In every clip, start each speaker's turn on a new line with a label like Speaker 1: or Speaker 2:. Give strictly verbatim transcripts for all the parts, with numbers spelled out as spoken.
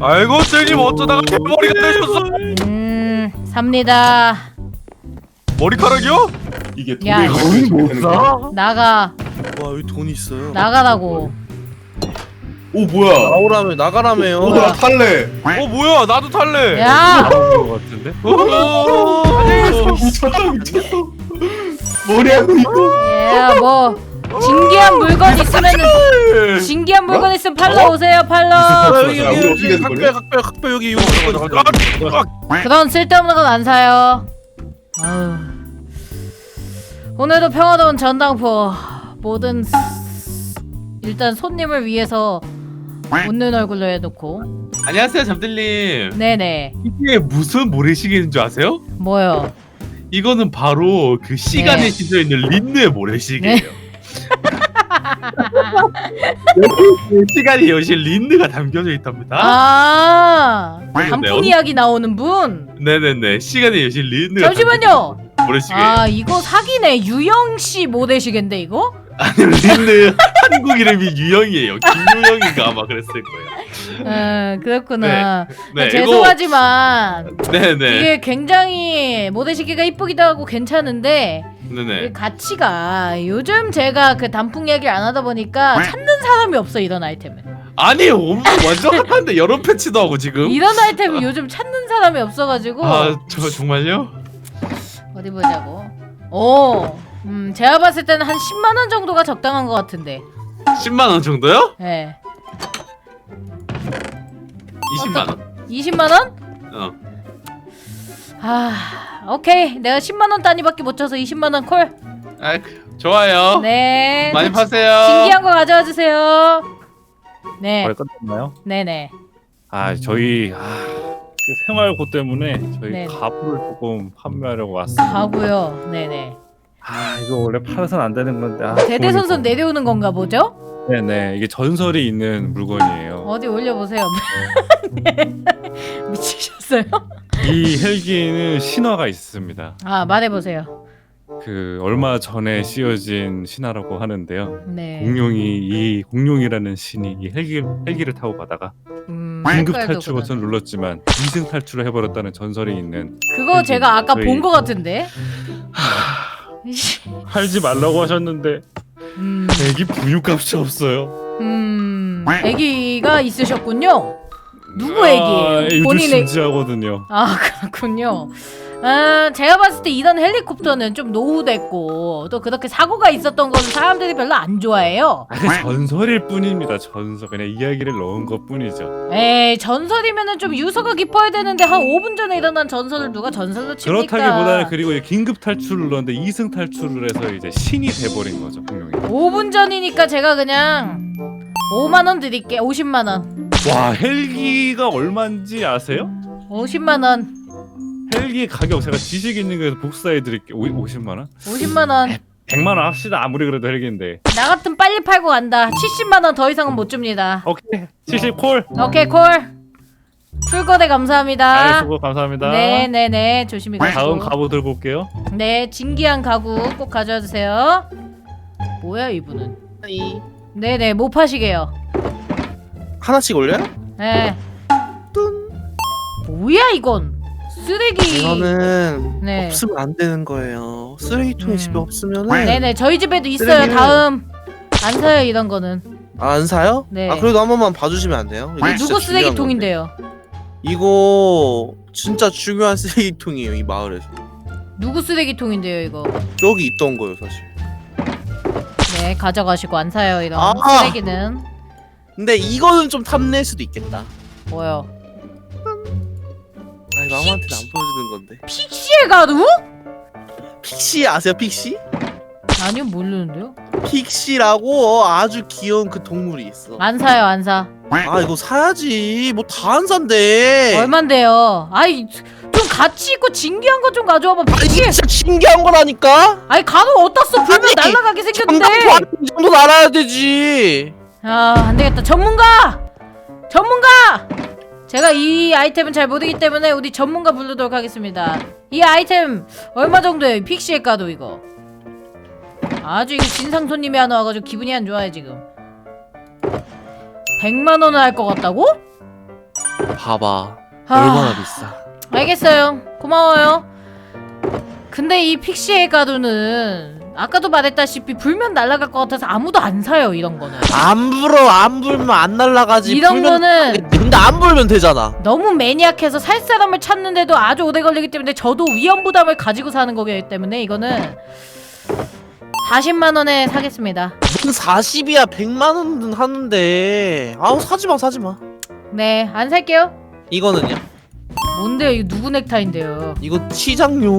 Speaker 1: 아이고 쌤님 어쩌다가 대머리가 되셨어?
Speaker 2: 음 삽니다.
Speaker 1: 머리카락이요?
Speaker 3: 이게
Speaker 2: 야,
Speaker 3: 돈을
Speaker 1: 못
Speaker 3: 되는
Speaker 1: 사?
Speaker 3: 거야?
Speaker 2: 나가.
Speaker 4: 와 여기 돈 있어요.
Speaker 2: 나가라고.
Speaker 3: 오 뭐야?
Speaker 4: 나오라며 나가라며요.
Speaker 3: 오 나 탈래.
Speaker 1: 어 뭐야 나도 탈래.
Speaker 2: 야.
Speaker 5: 나온 것 같은데?
Speaker 1: 어,
Speaker 3: 어, 미쳤다 미쳤어. 머리하고 있고.
Speaker 2: 야, 뭐 진기한 물건 있으면은 진기한 물건 있으면 팔러 오세요, 팔러.
Speaker 4: 아, 여기
Speaker 3: 야, 우리
Speaker 4: 여기
Speaker 3: 어떻게
Speaker 4: 여기
Speaker 3: 되는
Speaker 4: 각별
Speaker 3: 거냐?
Speaker 4: 각별 각별 여기 여기
Speaker 2: 그런 쓸데없는 건 안 사요. 아유. 오늘도 평화로운 전당포. 모든 스- 일단 손님을 위해서 웃는 얼굴로 해놓고.
Speaker 1: 안녕하세요 잠들님.
Speaker 2: 네네.
Speaker 1: 이게 무슨 모래시계인 줄 아세요?
Speaker 2: 뭐요?
Speaker 1: 이거는 바로 그 시간에
Speaker 2: 네.
Speaker 1: 싣여 있는 린느의 모래시계예요.
Speaker 2: 네.
Speaker 1: 여기 시간이 여실 린느가 담겨져 있답니다.
Speaker 2: 아,
Speaker 1: 네,
Speaker 2: 단풍
Speaker 1: 어디-
Speaker 2: 이야기 나오는 분.
Speaker 1: 네네네 시간에 여실 린느가
Speaker 2: 잠시만요.
Speaker 1: 담겨져 있는 모래시계예요.
Speaker 2: 아, 이거 사기네. 유영 씨 모델시계인데 이거?
Speaker 1: 아니 린느 한국 이름이 유영이에요. 김유영인가 아마 그랬을 거예요.
Speaker 2: 아, 그렇구나.
Speaker 1: 네,
Speaker 2: 아, 죄송하지만
Speaker 1: 이거, 네네.
Speaker 2: 이게 굉장히 모델시계가 이쁘기도 하고 괜찮은데
Speaker 1: 네네.
Speaker 2: 이 가치가 요즘 제가 그 단풍 이야기를 안 하다 보니까 찾는 사람이 없어 이런 아이템은.
Speaker 1: 아니 엄청 완전 핫한데 여러 패치도 하고 지금.
Speaker 2: 이런 아이템은 요즘 찾는 사람이 없어가지고.
Speaker 1: 아 저 정말요?
Speaker 2: 어디 보자고. 오, 음 제가 봤을 때는 한 십만 원 정도가 적당한 것 같은데.
Speaker 1: 십만 원 정도요?
Speaker 2: 예. 네.
Speaker 1: 이십만 원.
Speaker 2: 이십만 원?
Speaker 1: 어.
Speaker 2: 아, 오케이. 내가 십만 원 단위밖에 못 쳐서 이십만 원 콜.
Speaker 1: 아 좋아요.
Speaker 2: 네.
Speaker 1: 많이
Speaker 2: 그
Speaker 1: 파세요.
Speaker 2: 신기한 거 가져와 주세요. 네.
Speaker 5: 거의 끝났나요?
Speaker 2: 네네.
Speaker 5: 아 저희 아, 그 생활고 때문에 저희
Speaker 2: 네.
Speaker 5: 가구를 조금 판매하려고 왔습니다.
Speaker 2: 가고요. 네네.
Speaker 5: 아 이거 원래 팔아서는 안 되는 건데. 아,
Speaker 2: 대대손손
Speaker 5: 돈이
Speaker 2: 내려오는 건가 보죠?
Speaker 5: 또- 네네 이게 전설이 있는 물건이에요.
Speaker 2: 어디 올려보세요. 네. 미치셨어요?
Speaker 5: 이 헬기는 신화가 있습니다.
Speaker 2: 아, 말해보세요.
Speaker 5: 그 얼마 전에 씌워진 신화라고 하는데요.
Speaker 2: 네.
Speaker 5: 공룡이 이 공룡이라는 신이 이 헬기 헬기를 타고 가다가
Speaker 2: 음,
Speaker 5: 긴급
Speaker 2: 색깔도
Speaker 5: 탈출
Speaker 2: 그러네.
Speaker 5: 버튼을 눌렀지만 이승 탈출을 해버렸다는 전설이 있는.
Speaker 2: 그거 제가 아까
Speaker 5: 저희-
Speaker 2: 본 거 같은데.
Speaker 5: 팔지 말라고 하셨는데
Speaker 2: 음,
Speaker 5: 애기 분유값이 없어요.
Speaker 2: 음, 아기가 있으셨군요. 누구
Speaker 5: 아,
Speaker 2: 애기예요?
Speaker 5: 이거
Speaker 2: 본인의.
Speaker 5: 진지하거든요.
Speaker 2: 아, 그렇군요. 아, 제가 봤을 때 이런 헬리콥터는 좀 노후됐고 또 그렇게 사고가 있었던 건 사람들이 별로 안 좋아해요.
Speaker 5: 아, 그 전설일 뿐입니다. 전설 그냥 이야기를 넣은 것 뿐이죠.
Speaker 2: 에이, 전설이면은 좀 유서가 깊어야 되는데 한 오 분 전에 일어난 전설을 누가 전설로 칩니까?
Speaker 5: 그렇다기보다는 그리고 이제 긴급 탈출을 넣었는데 이승 탈출을 해서 이제 신이 돼버린 거죠 공룡이.
Speaker 2: 오 분 전이니까 제가 그냥 오만 원 드릴게. 오십만 원.
Speaker 5: 와 헬기가 얼마인지 아세요?
Speaker 2: 오십만 원.
Speaker 5: 헬기 가격 제가 지식 있는 거에서 복사해 드릴게요. 오십만 원?
Speaker 2: 오십만 원.
Speaker 5: 백만 원 합시다. 아무리 그래도 헬기인데.
Speaker 2: 나 같은 빨리 팔고 간다. 칠십만 원 더 이상은 못 줍니다.
Speaker 5: 오케이 칠십 콜.
Speaker 2: 오케이, 콜. 풀거래 감사합니다.
Speaker 5: 아, 수고 감사합니다.
Speaker 2: 네네네, 조심히 가시고.
Speaker 5: 다음 가보 들고 올게요.
Speaker 2: 네, 진기한 가구 꼭 가져와 주세요. 뭐야 이분은?
Speaker 4: 이
Speaker 2: 네네, 못 파시게요.
Speaker 4: 하나씩 올려요?
Speaker 2: 네. 뭐야 이건? 쓰레기.
Speaker 4: 이거는
Speaker 2: 네.
Speaker 4: 없으면 안 되는 거예요. 쓰레기통이
Speaker 2: 음.
Speaker 4: 집에 없으면은
Speaker 2: 네네, 저희 집에도 있어요.
Speaker 4: 쓰레기를-
Speaker 2: 다음. 안 사요 이런 거는.
Speaker 4: 아, 안 사요?
Speaker 2: 네.
Speaker 4: 아 그래도 한 번만 봐주시면 안 돼요? 이거 진짜
Speaker 2: 누구
Speaker 4: 중요한
Speaker 2: 쓰레기통인데요?
Speaker 4: 건데. 이거 진짜 중요한 쓰레기통이에요 이 마을에서.
Speaker 2: 누구 쓰레기통인데요 이거?
Speaker 4: 저기 있던 거예요 사실.
Speaker 2: 네, 가져가시고 안 사요 이런
Speaker 4: 아!
Speaker 2: 쓰레기는.
Speaker 4: 근데 이거는 좀 탐낼 수도 있겠다.
Speaker 2: 뭐요?
Speaker 4: 아 이거 아무한테는 안 보여주는 건데.
Speaker 2: 픽시의 가루?
Speaker 4: 픽시 아세요 픽시?
Speaker 2: 아니요, 모르는데요.
Speaker 4: 픽시라고 아주 귀여운 그 동물이 있어.
Speaker 2: 안 사요, 안 사.
Speaker 4: 아 이거 사야지. 뭐 다 안 산대.
Speaker 2: 얼만데요? 아이, 좀 가치 있고 진기한 거 좀 가져와봐.
Speaker 4: 아, 이게
Speaker 2: 픽시.
Speaker 4: 진짜 신기한 거라니까.
Speaker 2: 아이, 가루 어디다 써? 불면
Speaker 4: 아니,
Speaker 2: 날아가게 생겼는데.
Speaker 4: 장난도 이 정도 알아야 되지.
Speaker 2: 아, 안 되겠다. 전문가! 전문가! 제가 이 아이템은 잘 모르기 때문에 우리 전문가 부르도록 하겠습니다. 이 아이템 얼마 정도예요? 픽시의 가루 이거. 아주 이거 진상 손님이 하나 와가지고 기분이 안 좋아요 지금. 백만 원을 할 것 같다고?
Speaker 4: 봐봐.
Speaker 2: 아.
Speaker 4: 얼마나 비싸.
Speaker 2: 알겠어요. 고마워요. 근데 이 픽시의 가루는 아까도 말했다시피 불면 날아갈 것 같아서 아무도 안 사요 이런 거는.
Speaker 4: 안 불어. 안 불면 안 날아가지.
Speaker 2: 이런
Speaker 4: 불면
Speaker 2: 거는
Speaker 4: 근데 안 불면 되잖아.
Speaker 2: 너무 매니악해서 살 사람을 찾는데도 아주 오래 걸리기 때문에 저도 위험 부담을 가지고 사는 거기 때문에 이거는 사십만 원에 사겠습니다.
Speaker 4: 무슨 사십이야. 백만 원은 하는데. 아우 사지마 사지마.
Speaker 2: 네, 안 살게요.
Speaker 4: 이거는요?
Speaker 2: 뭔데요? 이거 누구 넥타이인데요?
Speaker 4: 이거 치장료.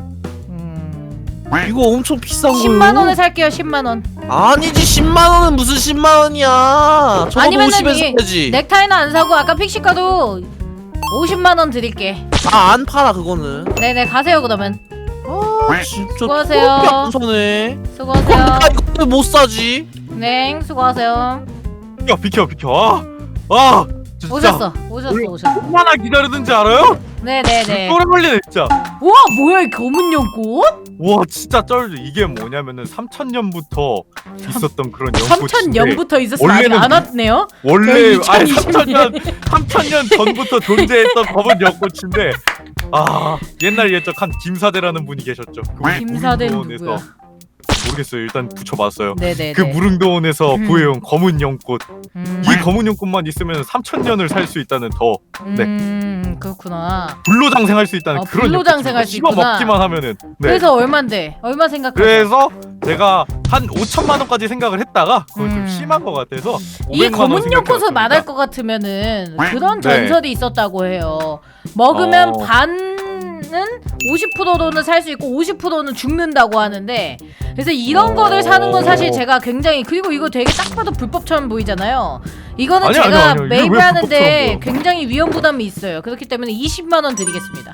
Speaker 2: 음...
Speaker 4: 이거 엄청 비싼 거예요.
Speaker 2: 십만 원에 살게요. 십만 원.
Speaker 4: 아니지 십만 원은 무슨 십만 원이야. 적어도
Speaker 2: 아니면은
Speaker 4: 오십에서
Speaker 2: 이
Speaker 4: 사야지.
Speaker 2: 넥타이는 안 사고 아까 픽시가도 오십만 원 드릴게.
Speaker 4: 아 안 팔아 그거는.
Speaker 2: 네네 가세요 그러면.
Speaker 4: 아 진짜
Speaker 2: 수고하세요.
Speaker 4: 더럽게 안 사네.
Speaker 2: 수고하세요.
Speaker 4: 아 이거 왜 못 사지?
Speaker 2: 네 수고하세요.
Speaker 5: 비켜 비켜 비켜. 아, 아 진짜.
Speaker 2: 오셨어 오셨어 오셨어.
Speaker 5: 얼마나 기다리는지 알아요?
Speaker 2: 네네네.
Speaker 5: 오래 걸리네 진짜.
Speaker 2: 우와 뭐야 이 검은 연꽃?
Speaker 5: 와 진짜 쩔죠. 이게 뭐냐면은 삼천 년부터 있었던 그런 연꽃인데
Speaker 2: 삼천 년부터 있었으면 아직
Speaker 5: 원래는
Speaker 2: 안 왔네요.
Speaker 5: 원래
Speaker 2: 저희
Speaker 5: 아니
Speaker 2: 이천이십
Speaker 5: 삼천 년 삼천 년 전부터 존재했던 검은 연꽃인데 아 옛날 예적한 김사대라는 분이 계셨죠. 그
Speaker 2: 김사대는
Speaker 5: 무릉도원에서
Speaker 2: 누구야?
Speaker 5: 모르겠어요. 일단 붙여봤어요.
Speaker 2: 네네네.
Speaker 5: 그 무릉도원에서
Speaker 2: 음.
Speaker 5: 구해온 검은 연꽃.
Speaker 2: 음,
Speaker 5: 이 검은 연꽃만 있으면 삼천 년을 살 수 있다는 더 네.
Speaker 2: 음 그렇구나.
Speaker 5: 불로장생할 수 있다는
Speaker 2: 아,
Speaker 5: 그런
Speaker 2: 불로장생할 수
Speaker 5: 씹어
Speaker 2: 있구나.
Speaker 5: 먹기만 하면은 네.
Speaker 2: 그래서 얼만데? 얼마 생각하세요?
Speaker 5: 그래서 제가 한 오천만 원까지 생각을 했다가 그건
Speaker 2: 음.
Speaker 5: 좀 심한 것 같아서
Speaker 2: 이
Speaker 5: 오백만 원
Speaker 2: 검은 연꽃을
Speaker 5: 생각해봤습니다.
Speaker 2: 말할 것 같으면은 그런
Speaker 5: 네.
Speaker 2: 전설이 있었다고 해요. 먹으면
Speaker 5: 어.
Speaker 2: 반은 오십 퍼센트로는 살 수 있고 오십 퍼센트는 죽는다고 하는데 그래서 이런 거를 사는 건 사실 제가 굉장히 그리고 이거 되게 딱 봐도 불법처럼 보이잖아요. 이거는
Speaker 5: 아니요,
Speaker 2: 제가
Speaker 5: 아니요, 아니요. 이게 왜
Speaker 2: 매입하는데
Speaker 5: 불법처럼 보여?
Speaker 2: 굉장히 위험 부담이 있어요. 그렇기 때문에 이십만 원 드리겠습니다.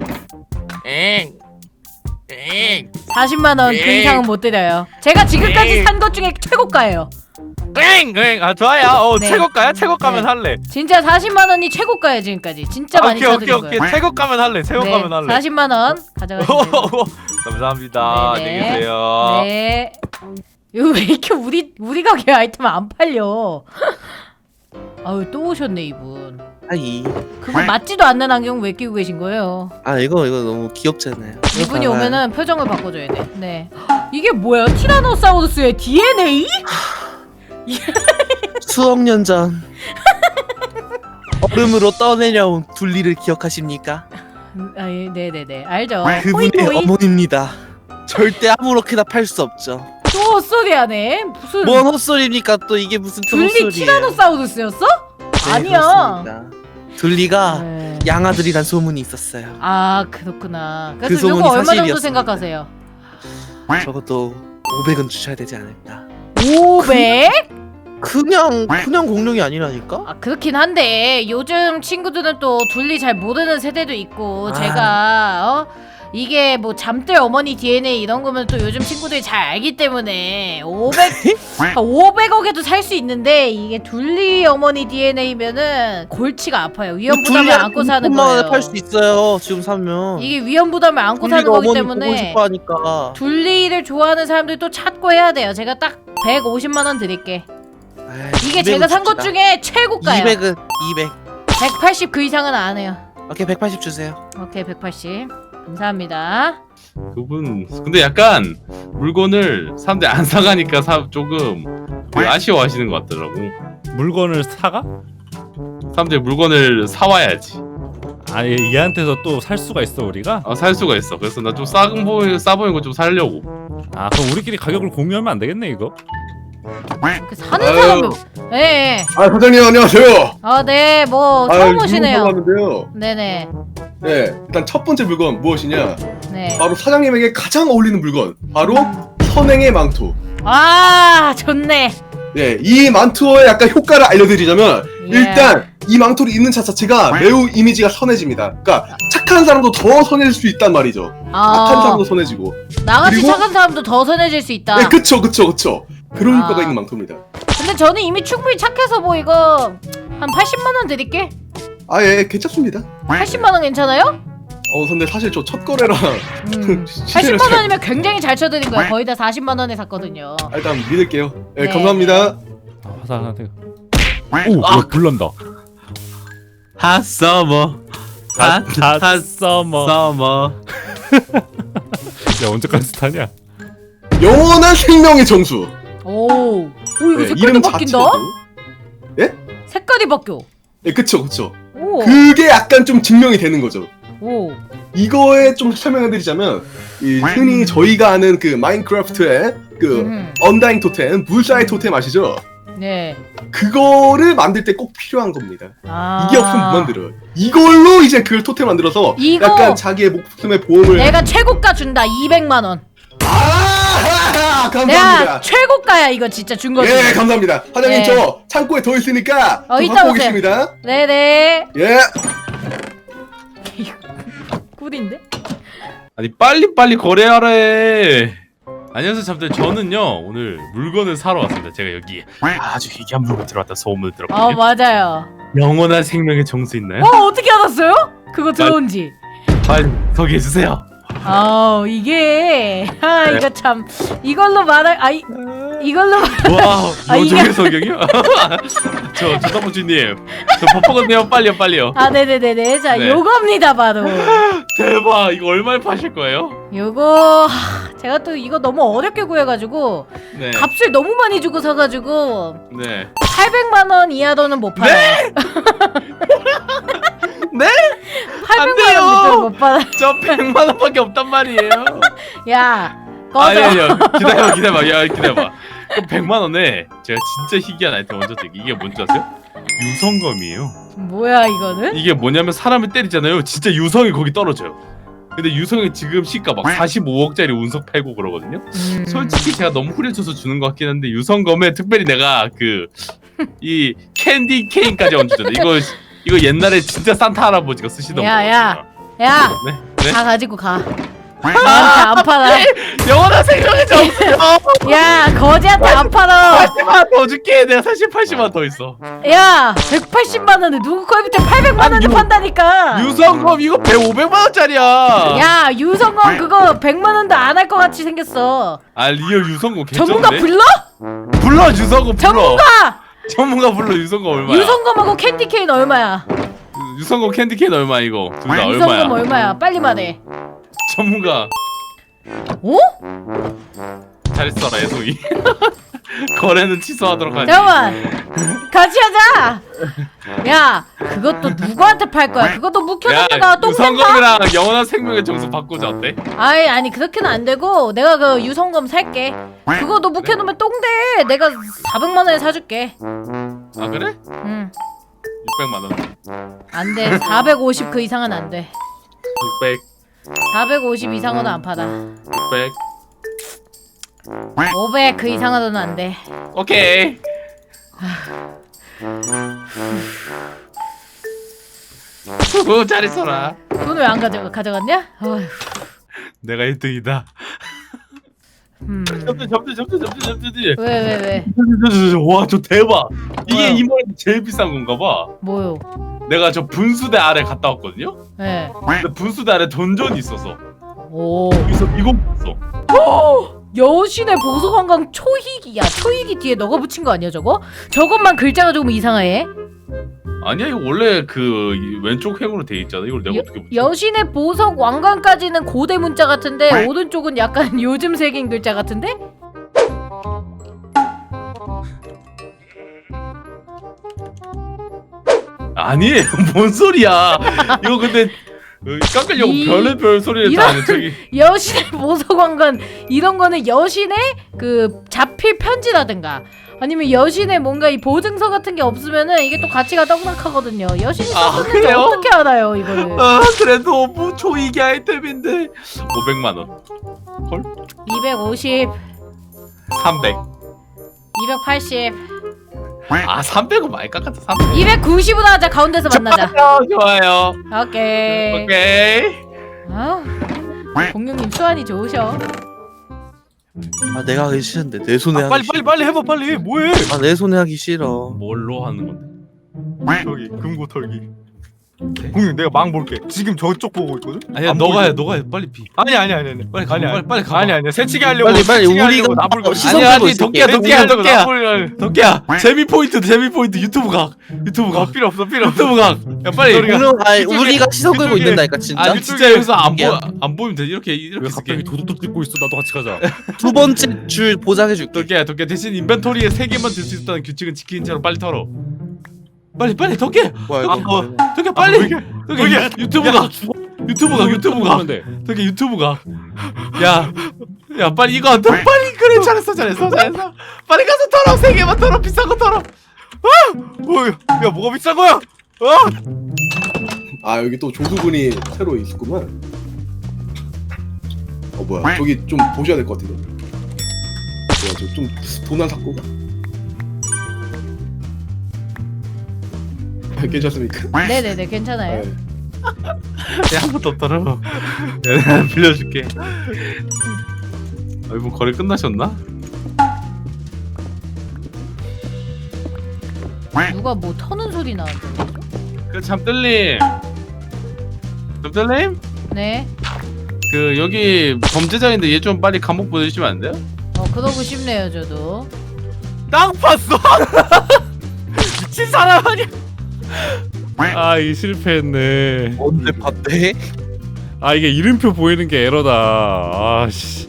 Speaker 4: 엥. 엥.
Speaker 2: 사십만 원 그
Speaker 5: 네.
Speaker 2: 이상은 못 드려요. 제가 지금까지 산 것 중에 최고가예요.
Speaker 5: 땡! 아 좋아요. 어,
Speaker 2: 네.
Speaker 5: 최고가야? 최고가면
Speaker 2: 네.
Speaker 5: 할래.
Speaker 2: 진짜 사십만 원이 최고가예요 지금까지. 진짜 많이
Speaker 5: 오케이 오케이
Speaker 2: 사드린
Speaker 5: 오케이.
Speaker 2: 거예요.
Speaker 5: 최고가면 할래. 최고가면
Speaker 2: 네,
Speaker 5: 할래.
Speaker 2: 사십만 원 가져가시면 돼요.
Speaker 5: 감사합니다.
Speaker 2: 네네.
Speaker 5: 안녕히 계세요.
Speaker 2: 네. 이거 왜 이렇게 우리 우리 가게 아이템 안 팔려? 아유 또 오셨네 이분.
Speaker 4: 아이.
Speaker 2: 그거 맞지도 않는 안경 왜 끼고 계신 거예요?
Speaker 4: 아 이거 이거 너무 귀엽잖아요.
Speaker 2: 이분이
Speaker 4: 이거 봐봐요.
Speaker 2: 오면은 표정을 바꿔줘야 돼. 네. 이게 뭐야? 티라노사우루스의 디엔에이?
Speaker 4: 수억 년 전 얼음으로 떠내려온 둘리를 기억하십니까?
Speaker 2: 아, 예, 네네네 알죠.
Speaker 4: 그분의
Speaker 2: 호이호이?
Speaker 4: 어머니입니다. 절대 아무렇게나 팔 수 없죠.
Speaker 2: 또 헛소리하네. 무슨
Speaker 4: 뭔 헛소리입니까? 또 이게 무슨 또
Speaker 2: 둘리
Speaker 4: 헛소리예요?
Speaker 2: 티라노사우루스였어?
Speaker 4: 네,
Speaker 2: 아니야.
Speaker 4: 그렇습니다. 둘리가
Speaker 2: 네.
Speaker 4: 양아들이란 소문이 있었어요.
Speaker 2: 아 그렇구나.
Speaker 4: 그
Speaker 2: 그래서
Speaker 4: 소문이
Speaker 2: 요거 얼마 정도
Speaker 4: 사실이었습니다.
Speaker 2: 생각하세요?
Speaker 4: 적어도 오백은 주셔야 되지 않을까?
Speaker 2: 오백?
Speaker 4: 그냥 그냥 공룡이 아니라니까?
Speaker 2: 아 그렇긴 한데 요즘 친구들은 또 둘리 잘 모르는 세대도 있고
Speaker 4: 아.
Speaker 2: 제가 어 이게 뭐 잠들 어머니 디엔에이 이런 거면 또 요즘 친구들이 잘 알기 때문에 오백 오백억에도 살 수 있는데 이게 둘리 어머니 디엔에이면은 골치가 아파요. 위험 부담을 안고 사는 거예요.
Speaker 4: 팔 수 있어요. 지금 사면.
Speaker 2: 이게 위험 부담을 안고 사는
Speaker 4: 둘리가
Speaker 2: 거기
Speaker 4: 어머니 보고
Speaker 2: 때문에
Speaker 4: 싶어 하니까.
Speaker 2: 둘리를 좋아하는 사람들이 또 찾고 해야 돼요. 제가 딱 백오십만 원 드릴게.
Speaker 4: 에이,
Speaker 2: 이게
Speaker 4: 이백은
Speaker 2: 제가 산 것
Speaker 4: 줍시다.
Speaker 2: 중에 최고가예요.
Speaker 4: 이백은 이백.
Speaker 2: 백팔십 그 이상은 안 해요.
Speaker 4: 오케이 백팔십 주세요.
Speaker 2: 오케이 백팔십 감사합니다.
Speaker 1: 그분 근데 약간 물건을 사람들이 안 사가니까 사 조금 그 아쉬워하시는 것 같더라고.
Speaker 5: 물건을 사가?
Speaker 1: 사람들이 물건을 사와야지.
Speaker 5: 아니 얘한테서 또 살 수가 있어 우리가?
Speaker 1: 아, 살 수가 있어. 그래서 나 좀 싸 보이 싸 보이는 거 좀 살려고.
Speaker 5: 아 그럼 우리끼리 가격을 공유하면 안 되겠네 이거?
Speaker 2: 이렇게 사는
Speaker 3: 아유.
Speaker 2: 사람이 예. 예.
Speaker 3: 아 사장님 안녕하세요.
Speaker 2: 아, 네. 뭐
Speaker 3: 아,
Speaker 2: 처음 오시네요.
Speaker 3: 하는데요.
Speaker 2: 네네.
Speaker 3: 네, 일단 첫 번째 물건 무엇이냐?
Speaker 2: 네.
Speaker 3: 바로 사장님에게 가장 어울리는 물건. 바로 선행의 망토.
Speaker 2: 아, 좋네.
Speaker 3: 네, 이 망토의 약간 효과를 알려드리자면
Speaker 2: 예.
Speaker 3: 일단 이 망토를 입는 자 자체가 매우 이미지가 선해집니다. 그러니까 착한 사람도 더 선해질 수 있단 말이죠. 악한
Speaker 2: 아,
Speaker 3: 사람도 선해지고.
Speaker 2: 나같이
Speaker 3: 그리고-
Speaker 2: 착한 사람도 더 선해질 수 있다.
Speaker 3: 네, 그쵸, 그쵸, 그쵸. 그런
Speaker 2: 아.
Speaker 3: 효과가 있는 망토입니다.
Speaker 2: 근데 저는 이미 충분히 착해서 뭐 이거 한 팔십만 원 드릴게.
Speaker 3: 아, 예, 괜찮습니다.
Speaker 2: 팔십만 원 괜찮아요?
Speaker 3: 어, 근데 사실 저 첫 거래라
Speaker 2: 음.
Speaker 3: 시세를
Speaker 2: 팔십만 원이면 굉장히 잘 쳐드린 거야. 거의 다 사십만 원에 샀거든요.
Speaker 3: 아, 일단 믿을게요. 네,
Speaker 2: 네.
Speaker 3: 감사합니다.
Speaker 5: 아, 화살 하나 오! 아. 불난다.
Speaker 1: 핫서머
Speaker 5: 다
Speaker 1: 핫서머 서머.
Speaker 5: 야 언제까지 타냐?
Speaker 3: 영원한 생명의 정수.
Speaker 2: 오, 오 이거
Speaker 3: 네,
Speaker 2: 색깔이
Speaker 3: 이름
Speaker 2: 바뀐다.
Speaker 3: 자체도.
Speaker 2: 색깔이 바뀌어.
Speaker 3: 네, 그쵸, 그쵸.
Speaker 2: 오,
Speaker 3: 그게 약간 좀 증명이 되는 거죠.
Speaker 2: 오.
Speaker 3: 이거에 좀 설명을 드리자면, 이 흔히 저희가 아는 그 마인크래프트의 그
Speaker 2: 음.
Speaker 3: 언다잉 토템, 불사의 토템 아시죠?
Speaker 2: 네.
Speaker 3: 그거를 만들 때 꼭 필요한 겁니다.
Speaker 2: 아.
Speaker 3: 이게 없으면 못 만들어요. 이걸로 이제 그 토템 만들어서
Speaker 2: 이거-
Speaker 3: 약간 자기의 목숨의 보험을.
Speaker 2: 내가 최고가 준다. 이백만 원.
Speaker 3: 아, 감사합니다.
Speaker 2: 내가 최고가야 이거 진짜 준 거지.
Speaker 3: 예, 감사합니다. 사장님
Speaker 2: 네.
Speaker 3: 저 창고에 더 있으니까
Speaker 2: 어,
Speaker 3: 저
Speaker 2: 이따
Speaker 3: 갖고
Speaker 2: 오세요.
Speaker 3: 오겠습니다.
Speaker 2: 네네.
Speaker 3: 예.
Speaker 2: 꿀인데?
Speaker 1: 아니 빨리 빨리 거래하래. 안녕하세요 잠들. 저는요 오늘 물건을 사러 왔습니다. 제가 여기 아주 희귀한 물건 들어왔다 소문을
Speaker 2: 어
Speaker 1: 들었거든요.
Speaker 2: 맞아요.
Speaker 1: 영원한 생명의 정수 있나요?
Speaker 2: 어 어떻게 알았어요? 그거 들어온지.
Speaker 1: 빨리 소개해 주세요.
Speaker 2: 아 이게 아
Speaker 1: 네.
Speaker 2: 이거 참 이걸로 말할 아 이, 이걸로 말-
Speaker 1: 와
Speaker 2: 아, 이게-
Speaker 1: 요즘의 성경이요? 저 조다부주님 저 바쁘거든요. 빨리요 빨리요.
Speaker 2: 아 네네네네 자
Speaker 1: 네.
Speaker 2: 요겁니다 바로.
Speaker 1: 대박. 이거 얼마에 파실 거예요?
Speaker 2: 요거 하, 제가 또 이거 너무 어렵게 구해가지고
Speaker 1: 네.
Speaker 2: 값을 너무 많이 주고 사가지고
Speaker 1: 네.
Speaker 2: 팔백만 원 이하로는 못 팔아요.
Speaker 1: 네?
Speaker 2: 팔백만 원 밑으로 못 팔아.
Speaker 1: 저 백만 원밖에 없단 말이에요.
Speaker 2: 야 꺼져.
Speaker 1: 아니 아니요. 기다려봐 기다려봐. 야 기다려봐. 그럼 백만 원에 제가 진짜 희귀한 아이템 먼저 드릴게요. 이게 뭔지 아세요? 유성검이에요.
Speaker 2: 뭐야 이거는?
Speaker 1: 이게 뭐냐면 사람을 때리잖아요. 진짜 유성이 거기 떨어져요. 근데 유성이 지금 시가 막 사십오억짜리 운석 팔고 그러거든요.
Speaker 2: 음.
Speaker 1: 솔직히 제가 너무 후려쳐서 주는 것 같긴 한데 유성검에 특별히 내가 그 이 캔디 케인까지 얹어줬네. 이거 이거 옛날에 진짜 산타 할아버지가 쓰시던
Speaker 2: 야,
Speaker 1: 거거든요.
Speaker 2: 야. 야,
Speaker 1: 네? 네?
Speaker 2: 다 가지고 가. 나한테 안 팔아.
Speaker 1: 영원한 생명의 정수.
Speaker 2: 야, 거지한테 안 팔아.
Speaker 1: 팔십만 원 더 줄게. 내가 사실 팔십만 원 더 있어.
Speaker 2: 야, 백팔십만 원에 누구 거부터 팔백만 원에
Speaker 1: 아니, 유-
Speaker 2: 판다니까.
Speaker 1: 유성검 이거 백 오백만 원짜리야.
Speaker 2: 야, 유성검 그거 백만 원도 안 할 것 같이 생겼어.
Speaker 1: 아 리얼 유성검 괜찮은데?
Speaker 2: 전문가 불러?
Speaker 1: 불러 유성검 불러.
Speaker 2: 전문가!
Speaker 1: 전문가 불러. 유성검 얼마야?
Speaker 2: 유성검하고 캔디 케인 얼마야?
Speaker 1: 유성검 캔디 케인 얼마 이거? 둘 다
Speaker 2: 유성검
Speaker 1: 얼마야?
Speaker 2: 얼마야? 빨리 말해.
Speaker 1: 전문가
Speaker 2: 어?
Speaker 1: 잘 써라 애송이. 거래는 취소하도록 하지.
Speaker 2: 잠깐만. 같이 하자. 야, 그것도 누구한테 팔 거야? 그것도 묵혀놨다가 똥 싼다?
Speaker 1: 유성검이랑 영원한 생명의 정수 바꾸자 어때?
Speaker 2: 아이 아니 그렇게는 안 되고 내가 그 유성검 살게. 그거 너 묵혀놓으면 똥돼. 내가 사백만 원에 사줄게.
Speaker 1: 아 그래?
Speaker 2: 응.
Speaker 1: 육백만 원.
Speaker 2: 안 돼. 사백오십 그 이상은 안 돼.
Speaker 1: 육백,
Speaker 2: 사백오십 이상은 안 팔아.
Speaker 1: 육백.
Speaker 2: 오백 그 이상으로는 안 돼.
Speaker 1: 오케이. 후, 잘 있어라.
Speaker 2: 돈 왜 안 가져 가져갔냐? 어휴.
Speaker 1: 내가 일 등이다.
Speaker 2: 음.
Speaker 1: 접대 접대 접대 접대 접대.
Speaker 2: 왜 왜 왜?
Speaker 1: 와, 저 대박. 이게
Speaker 2: 뭐야?
Speaker 1: 이 머리 제일 비싼 건가 봐.
Speaker 2: 뭐요?
Speaker 1: 내가 저 분수대 아래 갔다 왔거든요.
Speaker 2: 예.
Speaker 1: 근데 분수대 아래 던전이 있어서
Speaker 2: 오.
Speaker 1: 여기서 이거 봤어.
Speaker 2: 여신의 보석관광 초희기. 야 초희기 뒤에 너가 붙인 거 아니야 저거? 저것만 글자가 조금 이상해.
Speaker 1: 아니야 이거 원래 그 왼쪽 횡으로 돼 있잖아. 이걸 내가
Speaker 2: 여,
Speaker 1: 어떻게 붙여?
Speaker 2: 여신의 보석 왕관까지는 고대 문자 같은데 오른쪽은 약간 요즘 색인 글자 같은데?
Speaker 1: 아니에요. 뭔 소리야? 이거 근데 어, 깎으려고
Speaker 2: 이-
Speaker 1: 별의별 소리를 다
Speaker 2: 이런-
Speaker 1: 하는 저기.
Speaker 2: 여신의 보석 왕관 이런 거는 여신의 그 자필 편지라든가 아니면 여신의 뭔가 이 보증서 같은 게 없으면은 이게 또 가치가 떡락하거든요. 여신이
Speaker 1: 아,
Speaker 2: 썼는지
Speaker 1: 그래요?
Speaker 2: 어떻게 알아요 이거를?
Speaker 1: 아 그래도 뭐 초이기 아이템인데 오백만 원,
Speaker 2: 이백오십,
Speaker 1: 삼백.
Speaker 2: 이백팔십,
Speaker 1: 아 삼백은 많이 깎았다. 삼백.
Speaker 2: 이백구십으로 하자. 가운데서 만나자.
Speaker 1: 좋아요, 좋아요.
Speaker 2: 오케이.
Speaker 1: 오케이.
Speaker 2: 아, 공룡님 수완이 좋으셔.
Speaker 4: 아 내가 하기 싫은데 내 손에
Speaker 5: 아,
Speaker 4: 하기
Speaker 5: 빨리
Speaker 4: 싫어.
Speaker 5: 빨리 빨리 해봐 빨리. 뭐해?
Speaker 4: 아 내 손에 하기 싫어.
Speaker 1: 뭘로 하는 건데?
Speaker 5: 저기 금고 털기. 공룡 내가 망 볼게. 지금 저쪽 보고 있거든.
Speaker 1: 아니야
Speaker 5: 안
Speaker 1: 너가 해
Speaker 5: 보이죠?
Speaker 1: 너가 해 빨리 피.
Speaker 5: 아니 아니 아니 아니.
Speaker 1: 빨리 가
Speaker 5: 아니,
Speaker 1: 빨리
Speaker 5: 아니.
Speaker 1: 빨리 가.
Speaker 5: 아니 아니 새치기 하려고.
Speaker 4: 빨리, 빨리
Speaker 5: 새치기
Speaker 4: 우리가
Speaker 5: 하려고 나불 걸.
Speaker 4: 시선
Speaker 1: 아니
Speaker 4: 끌고
Speaker 1: 아니
Speaker 4: 있을게.
Speaker 1: 덕기야 덕기야
Speaker 5: 새치기 하려고
Speaker 1: 덕기야
Speaker 5: 나불 걸.
Speaker 1: 덕기야 재미 포인트 재미 포인트 유튜브 각 유튜브
Speaker 5: 어,
Speaker 1: 각
Speaker 5: 필요 없어 필요 없어.
Speaker 1: 유튜브 각야 빨리.
Speaker 4: 공룡 아니
Speaker 5: 그쪽에-
Speaker 4: 우리가 시선 끌고
Speaker 5: 그쪽에-
Speaker 4: 있는다니까 진짜.
Speaker 1: 아 진짜 여기서 안
Speaker 4: 야.
Speaker 1: 보 안 보이면 돼 이렇게 이렇게
Speaker 6: 왜
Speaker 1: 쓸게.
Speaker 6: 갑자기 도둑도 찍고 있어? 나도 같이 가자.
Speaker 4: 두 번째 줄 보장해줄게.
Speaker 1: 덕기야 덕기야 대신 인벤토리에 세 개만 들 수 있다는 규칙은 지키는 채로 빨리 털어. 빨리 빨리 덕기야
Speaker 4: 뭐야
Speaker 1: 아,
Speaker 4: 이거?
Speaker 1: 어. 덕기야 빨리. 덕기야
Speaker 5: 덕기야.
Speaker 1: 유튜브 각 유튜브 각 유튜브 각
Speaker 6: 돼.
Speaker 1: 덕기야 유튜브 각. 야, 야 빨리 이거 더 빨리 그래 잘했어 잘했어 잘했어. 빨리 가서 털어 세 개만 털어 비싼 거 털어.
Speaker 5: 어, 야 뭐가 비싼 거야? 어?
Speaker 3: 아 여기 또 조수분이 새로 있구만. 어 뭐야 저기 좀 보셔야 될 것 같은데. 뭐야 저좀 도난 사고가. 괜찮습니까?
Speaker 2: 네네네 괜찮아요.
Speaker 3: 네.
Speaker 1: 한 번 더 털어. 내가 빌려줄게. 아, 이분 거래 끝나셨나?
Speaker 2: 누가 뭐 터는 소리 나는데?
Speaker 1: 그 잠들님, 잠들님,
Speaker 2: 네.
Speaker 1: 그 여기 범죄자인데 얘 좀 빨리 감옥 보내주시면 안 돼요?
Speaker 2: 어 그러고 싶네요 저도.
Speaker 5: 땅 팠어? 미친 사람 아니야?
Speaker 6: 아, 이 실패했네.
Speaker 4: 언제 봤대?
Speaker 6: 아, 이게 이름표 보이는 게 에러다. 아, 씨.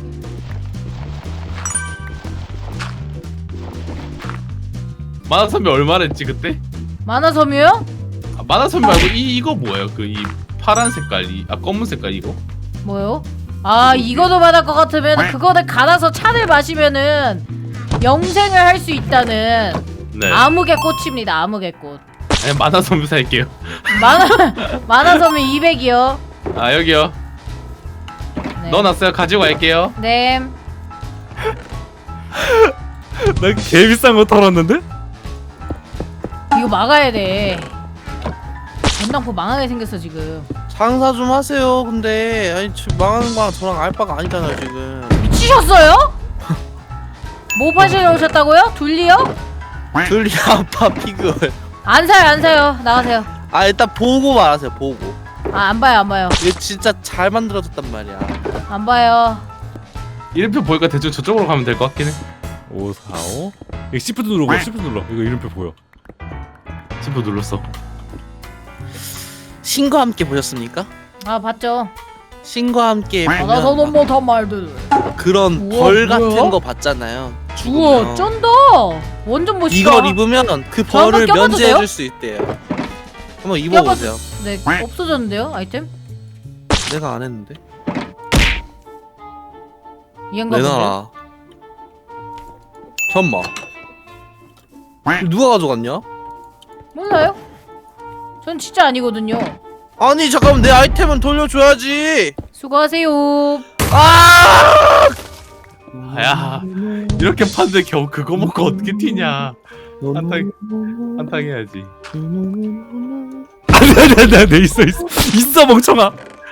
Speaker 1: 만화선배 얼마나 했지 그때?
Speaker 2: 만화섬유요?
Speaker 1: 아, 만화선배 말고 이 이거 뭐예요? 그 이 파란 색깔, 이, 아 검은 색깔 이거?
Speaker 2: 뭐요? 아 이거도 받을 것 같으면 그거를 갈아서 차를 마시면은 영생을 할 수 있다는
Speaker 1: 네.
Speaker 2: 암흑의 꽃입니다. 암흑의 꽃.
Speaker 1: 아니 만화선배 살게요.
Speaker 2: 만화 만화섬유 이백이요.
Speaker 1: 아 여기요.
Speaker 2: 네.
Speaker 1: 넣어놨어요. 가지고 갈게요.
Speaker 2: 네.
Speaker 6: 나 개 비싼 거 털었는데?
Speaker 2: 이거 막아야 돼. 전당포 망하게 생겼어 지금.
Speaker 4: 장사 좀 하세요. 근데 아니 지금 망하는 거랑 저랑 알 바가 아니잖아요 지금.
Speaker 2: 미치셨어요? 뭐 파시러 오셨다고요? 둘리요?
Speaker 4: 둘리 아빠 피규어.
Speaker 2: 안 사요 안 사요. 나가세요.
Speaker 4: 아 일단 보고 말하세요. 보고.
Speaker 2: 아 안 봐요 안 봐요.
Speaker 4: 이거 진짜 잘 만들어졌단 말이야.
Speaker 2: 안 봐요.
Speaker 1: 이름표 보니까 대충 저쪽으로 가면 될 것 같긴 해.
Speaker 6: 오, 사, 오. 이거 시프트 누르고 시프트 눌러. 이거 이름표 보여.
Speaker 1: 지금 눌렀어.
Speaker 4: 신과 함께 보셨습니까?
Speaker 2: 아 봤죠.
Speaker 4: 신과 함께
Speaker 2: 받아서
Speaker 4: 보면
Speaker 2: 넘어던 말들.
Speaker 4: 그런
Speaker 2: 우와,
Speaker 4: 벌
Speaker 2: 뭐야?
Speaker 4: 같은 거 봤잖아요.
Speaker 2: 우와
Speaker 4: 죽으면.
Speaker 2: 쩐다. 완전 멋있다.
Speaker 4: 이걸 입으면 그
Speaker 2: 저 한번
Speaker 4: 벌을
Speaker 2: 껴봐도 돼요?
Speaker 4: 면제해줄 수 있대요. 한번 입어보세요.
Speaker 2: 네 없어졌는데요 아이템?
Speaker 4: 내가 안 했는데.
Speaker 2: 이해인가 본데.
Speaker 4: 내놔라. 잠만. 누가 가져갔냐?
Speaker 2: 몰라요? 전 진짜 아니거든요.
Speaker 4: 아니 잠깐만 내 아이템은 돌려줘야지.
Speaker 2: 수고하세요.
Speaker 4: 아!
Speaker 1: 야 이렇게 파는데 겨우 그거 먹고 어떻게 튀냐? 한탕 한탕 해야지.
Speaker 6: 아니, 아니, 아니, 아니, 있어, 있어. 있어, 멍청아.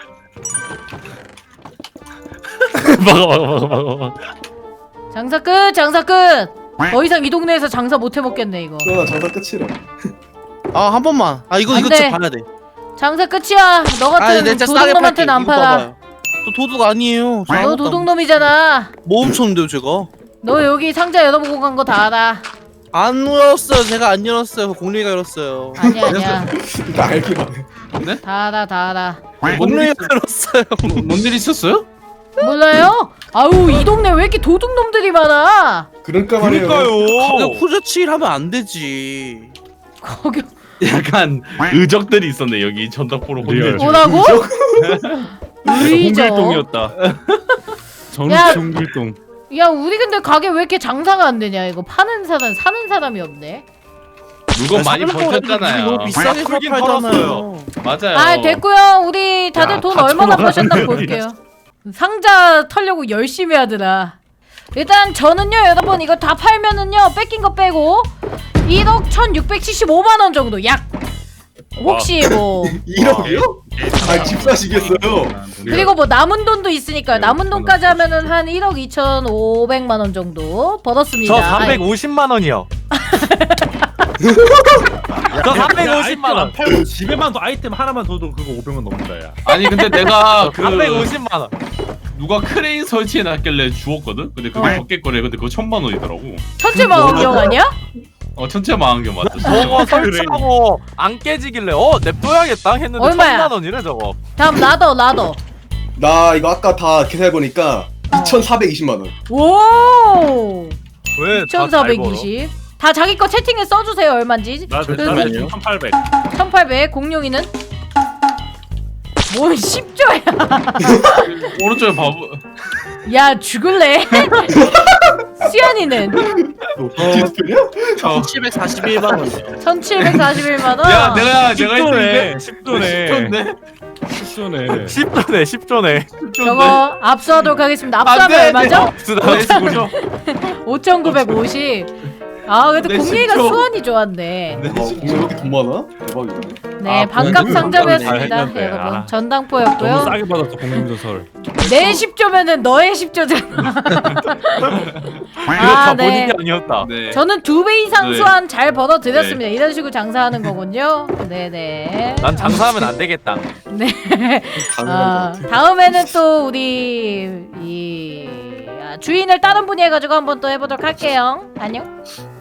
Speaker 6: 막아, 막아, 막아, 막아, 막아.
Speaker 2: 장사 끝 장사 끝. 더 이상 이 동네에서 장사 못 해먹겠네 이거.
Speaker 3: 그러나 장사 끝이래.
Speaker 4: 아 한 번만. 아 이거
Speaker 2: 안
Speaker 4: 이거
Speaker 2: 돼.
Speaker 4: 진짜 봐야 돼.
Speaker 2: 장사 끝이야. 너
Speaker 4: 아
Speaker 2: 같은
Speaker 4: 진짜 싸게 팔게.
Speaker 2: 도둑놈한테는 안
Speaker 4: 이거
Speaker 2: 팔아.
Speaker 4: 봐봐요. 저 도둑 아니에요. 저
Speaker 2: 너
Speaker 4: 아무것도 안-
Speaker 2: 도둑놈이잖아.
Speaker 4: 뭐 훔쳤는데요 제가?
Speaker 2: 너 여기 상자 열어보고 간 거 다 알아.
Speaker 4: 안 열었어요. 제가 안 열었어요. 공룡이가 열었어요.
Speaker 2: 아니야 아니야.
Speaker 3: 나 알기만 해.
Speaker 2: 다 알아 다 알아.
Speaker 4: 공룡이가 열었어요.
Speaker 1: 뭔일 있었어요?
Speaker 2: 몰라요? 아우 이 동네 왜 이렇게 도둑놈들이 많아?
Speaker 3: 그러니까 말이에요.
Speaker 5: 그러니까요.
Speaker 4: 가격 후려치기를 하면 안 되지.
Speaker 2: 거기
Speaker 1: 약간 의적들이 있었네 여기 전덕포로
Speaker 6: 리얼.
Speaker 1: 혼내주.
Speaker 2: 뭐라고? 의적.
Speaker 6: 홍길동이었다.
Speaker 2: 야.
Speaker 6: 정치 홍길동.
Speaker 2: 야 우리 근데 가게 왜 이렇게 장사가 안 되냐 이거 파는 사람 사는 사람이 없네.
Speaker 1: 물건 많이
Speaker 4: 사는 거라도
Speaker 1: 버텼잖아요.
Speaker 4: 너무 비싸게 사
Speaker 5: 풀긴
Speaker 4: 팔잖아요.
Speaker 1: 맞아요.
Speaker 2: 아 됐고요. 우리 다들
Speaker 6: 야,
Speaker 2: 돈
Speaker 6: 다
Speaker 2: 얼마나
Speaker 6: 천원
Speaker 2: 버셨나
Speaker 6: 하는
Speaker 2: 볼게요. 상자 털려고 열심히 하더라. 일단 저는요 여러분 이거 다 팔면은요 뺏긴 거 빼고 일억 천육백칠십오만 원 정도 약. 혹시 뭐
Speaker 3: 일억이요? 아 집 사시겠어요?
Speaker 2: 그리고 뭐 남은 돈도 있으니까요. 남은 돈까지 하면은 한 일억 이천오백만 원 정도 벌었습니다.
Speaker 5: 저 삼백오십만 원이요. 저 삼백오십만 원.
Speaker 7: 팔고 집에만 더 아이템 하나만 둬도 그거 오백 원 넘는다 야.
Speaker 1: 아니 근데 내가 그
Speaker 5: 삼백오십만 원.
Speaker 1: 누가 크레인 설치해놨길래 주웠거든? 근데 그게
Speaker 2: 어.
Speaker 1: 적겠거래. 근데 그거 천만 원이더라고.
Speaker 2: 천체 망원경 아니야?
Speaker 1: 어 천체 망원경 맞죠?
Speaker 5: 저거 설치하고 안 깨지길래 어 냅둬야겠다 했는데
Speaker 2: 얼마야?
Speaker 5: 천만 원이래 저거.
Speaker 2: 다음 라더 라더.
Speaker 3: 나 이거 아까 다 계산해보니까 이천사백이십만 원.
Speaker 2: 오.
Speaker 5: 왜?
Speaker 2: 천사백이십. 다 자기 거 채팅에 써주세요 얼마인지.
Speaker 7: 나
Speaker 2: 그-
Speaker 7: 잠깐만요. 천팔백.
Speaker 2: 천팔백. 공룡이는? 뭔 십 조야.
Speaker 1: 오른쪽에 바보.
Speaker 2: 야 죽을래? 수연이는
Speaker 3: 디스플레이야?
Speaker 1: 어.
Speaker 4: 칠백사십일만 원이요.
Speaker 2: 천칠백사십일만 원.
Speaker 1: 야 내가 내가 했는데
Speaker 6: 십 조네.
Speaker 1: 십조인데?
Speaker 6: 십 조네.
Speaker 5: 십 조네 십 조네.
Speaker 2: 저거 압수하도록 하겠습니다. 압수하면
Speaker 1: 안 돼,
Speaker 2: 얼마죠?
Speaker 1: 내 십조.
Speaker 2: 오천구백오십. 아 그래도
Speaker 1: 내
Speaker 2: 공룡이가
Speaker 1: 십조.
Speaker 2: 수원이 좋았네.
Speaker 1: 내
Speaker 3: 어, 공룡 왜 이렇게 돈 많아? 대박이네.
Speaker 2: 네
Speaker 5: 아,
Speaker 2: 반값
Speaker 5: 공룡
Speaker 2: 상점이었습니다
Speaker 5: 잘 했는데,
Speaker 2: 여러분.
Speaker 5: 아.
Speaker 6: 너무
Speaker 2: 전당포였고요.
Speaker 6: 싸게 받았어 공룡전설.
Speaker 2: 내 십 조면은 너의 십 조잖아.
Speaker 5: 이거
Speaker 2: 아,
Speaker 5: 다
Speaker 2: 네.
Speaker 5: 본인이 아니었다.
Speaker 1: 네.
Speaker 2: 저는 두 배 이상
Speaker 1: 네.
Speaker 2: 수완 잘 벌어들였습니다. 이런 식으로 장사하는 거군요. 네네.
Speaker 5: 난 장사하면 안 되겠다.
Speaker 2: 네.
Speaker 3: 가능한
Speaker 2: 아,
Speaker 3: 것 같아.
Speaker 2: 다음에는 또 우리 이 아, 주인을 다른 분이 해가지고 한번 또 해보도록 할게요. 안녕.